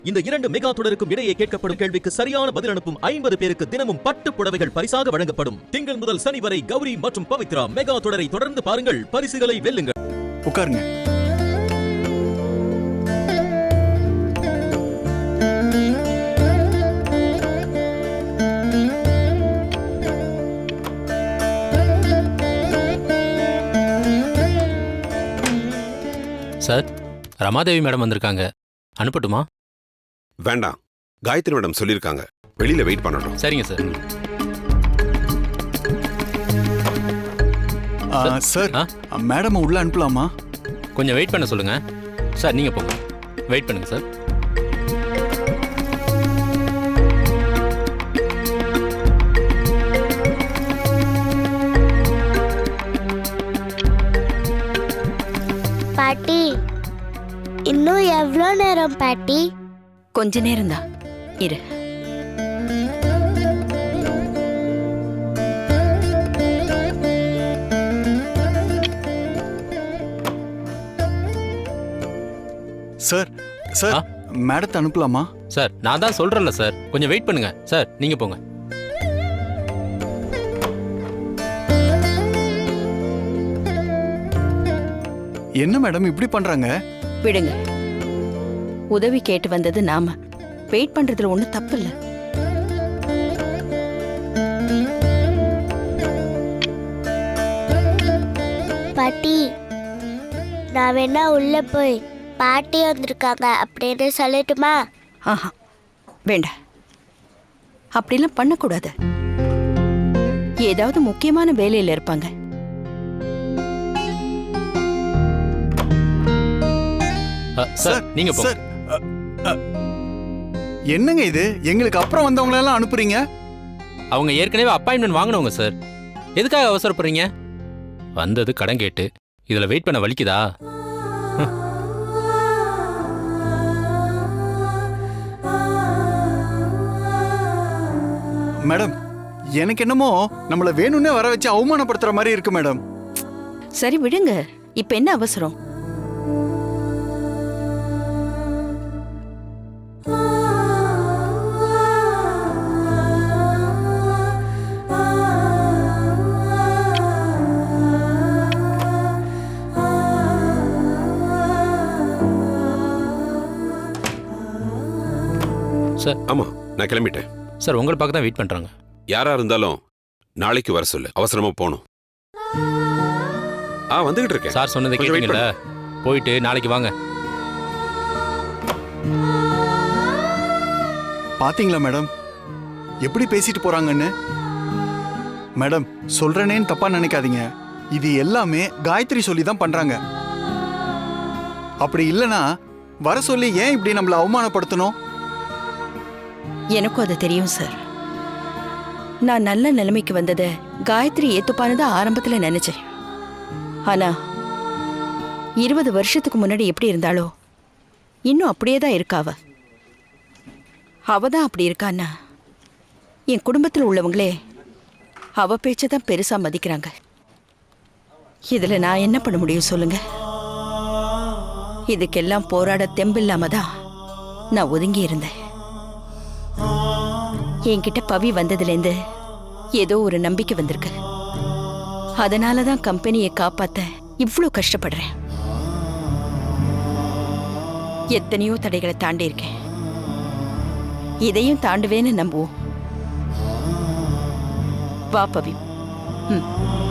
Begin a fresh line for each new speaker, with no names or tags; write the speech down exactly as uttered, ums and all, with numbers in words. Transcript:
இந்த இரண்டு மெகா தொடருக்கும் இடையே கேட்கப்படும் கேள்விக்கு சரியான பதில் அனுப்பும் ஐம்பது பேருக்கு தினமும் பட்டு புடவைகள் பரிசாக வழங்கப்படும். திங்கள் முதல் சனி வரை கௌரி மற்றும் பவித்ரா மெகா தொடரை தொடர்ந்து பாருங்கள், பரிசுகளை வெல்லுங்கள்.
உட்காருங்க.
சார், ரமாதேவி மேடம் வந்திருக்காங்க, அனுப்பட்டுமா?
வேண்டாம், காயத்ரி மேடம் சொல்லியிருக்காங்க, வெளியில வெயிட் பண்ணணும்.
சரிங்க சார்.
சார், மேடம் உள்ள அனுப்பலாமா?
கொஞ்சம் வெயிட் பண்ண சொல்லுங்க. சார் நீங்க போங்க, வெயிட் பண்ணுங்க சார்.
பாட்டி, இன்னும் எவ்வளோ நேரம் பாட்டி?
கொஞ்ச நேரம் தான் இரு.
சார், சார் மேடத்தை அனுப்பலாமா?
சார் நான் தான் சொல்றேன்ல சார், கொஞ்சம் வெயிட் பண்ணுங்க சார். நீங்க போங்க.
என்ன மேடம் இப்படி பண்றாங்க?
விடுங்க, உதவி கேட்டு வந்தது நாம. வெயிட் பண்றதுல ஒண்ணும் தப்பு இல்ல.
பாட்டி, நான் வேணா உள்ள போய் பாட்டி வந்திருக்காங்க அப்படின்னு சொல்லட்டுமா?
ஆஹா, வேண்டாம், அப்படிலாம் பண்ணக்கூடாது. ஏதாவது முக்கியமான வேலையில இருப்பாங்க.
சார் நீங்க போங்க.
என்னங்க இது, எங்களுக்கு அப்புறம் வந்தவங்க எல்லாம் அனுப்புறீங்க?
அவங்க ஏற்கனவே அப்பாயின்மெண்ட் வாங்கினவங்க சார், எதுக்காக அவசரப்படுறீங்க? வந்தது கடன் கேட்டு, இதுல வெயிட் பண்ண வலிக்குதா?
மேடம், எனக்கு என்னமோ நம்மள வேணும்னே வர வச்சு அவமானப்படுத்துற மாதிரி இருக்கு மேடம்.
சரி விடுங்க, இப்ப என்ன அவசரம்?
சார்.
ஆமா, நான் கிளம்பிட்டேன்.
சார் உங்களை பார்க்க தான் வெயிட் பண்றாங்க.
யாரா இருந்தாலும் நாளைக்கு வர சொல்லு, அவசரமா போகணும். ஆ வந்துகிட்டு இருக்கேன்.
சார் சொன்னதை கேட்டீங்கல்ல, போயிட்டு நாளைக்கு வாங்க.
பாத்தீங்களா மேடம் எப்படி பேசிட்டு போறாங்கன்னு? மேடம், சொல்றேனேன்னு தப்பா நினைக்காதீங்க, இது எல்லாமே காயத்ரி சொல்லி தான் பண்றாங்க. அப்படி இல்லனா வர சொல்லி ஏன் இப்படி நம்மள அவமானப்படுத்தணும்?
எனக்கும் அது தெரியும் சார். நான் நல்ல நிலைமைக்கு வந்ததை காயத்ரி ஏத்துப்பானதா ஆரம்பத்துல நினைச்சேன். ஆனா இருபது வருஷத்துக்கு முன்னாடி எப்படி இருந்தாலோ இன்னும் அப்படியே தான் இருக்காவ. அவ தான் அப்படி இருக்கான்னா என் குடும்பத்தில் உள்ளவங்களே அவ பேச்சதான் பெருசா மதிக்கிறாங்க. இதுல நான் என்ன பண்ண முடியும் சொல்லுங்க? இதுக்கெல்லாம் போராட தெம்பில்லாம தான் நான் ஒதுங்கி இருந்தேன். என்கிட்ட பவி வந்ததுலேருந்து ஏதோ ஒரு நம்பிக்கை வந்திருக்கு. அதனாலதான் கம்பெனியை காப்பாத்த இவ்வளோ கஷ்டப்படுறேன். எத்தனையோ தடைகளை தாண்டி இருக்கேன், இதையும் தாண்டுவேன்னு நம்புவோம். வா பவி. ம்